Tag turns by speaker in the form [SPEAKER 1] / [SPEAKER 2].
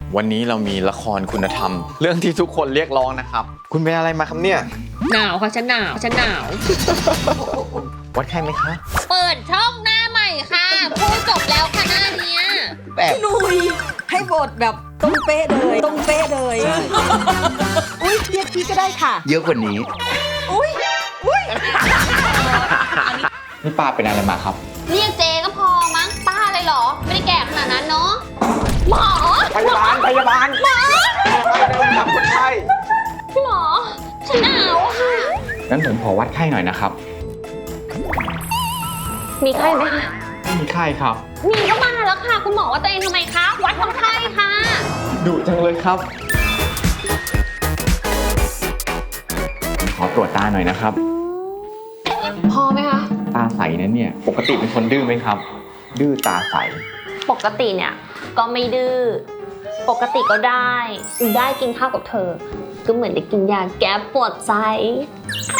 [SPEAKER 1] วันนี้เรามีละครคุณธรรม เรื่องที่ทุกคนเรียกร้องนะครับ คุณเป็นอะไรมาครับเนี่ย
[SPEAKER 2] หนาวค่ะฉันหนาว
[SPEAKER 1] วัดไข้ไหมคะ
[SPEAKER 2] เปิดช่องหน้าใหม่ค่ะพูดจบแล้วค่ะหน้าเนี้ย
[SPEAKER 1] แบบ
[SPEAKER 3] หนุยให้บทแบบตรงเป๊ะเลยตรงเป๊ะเลยอุ้ยเรียกพี่ก็ได้ค่ะ
[SPEAKER 1] เยอะกว่านี้
[SPEAKER 3] อุ้ย
[SPEAKER 1] นี่ป้าเป็นอะไรมาครับ
[SPEAKER 2] เรียกเจก็พอมั้งป้าเลยเหรอ ไม่ได้แก่ขนาดนั้นเนาะหมอ
[SPEAKER 1] พยาบาลเดินทำคนไข้
[SPEAKER 2] พี่หมอฉันหนาวค่ะ
[SPEAKER 1] งั้นผมขอวัดไข้หน่อยนะครับ
[SPEAKER 2] มีไข้ไหมคะ
[SPEAKER 1] ไม่มีไข้ครับ
[SPEAKER 2] มีก็มาแล้วค่ะ คุณหมอว่าตัวเองทำไมคะวัดคนไข้ค่ะ
[SPEAKER 1] ดุจังเลยครับ ขอตรวจตาหน่อยนะครับ
[SPEAKER 2] พอไหมคะ
[SPEAKER 1] ตาใสนั้นเนี่ย ปกติเป็นคนดื้อไหมครับ ดื้อตาใส
[SPEAKER 2] ปกติเนี่ยก็ไม่ดื้อปกติก็ได้กินข้าวกับเธอ ก็เหมือนได้กินยาแก้ปวดใจ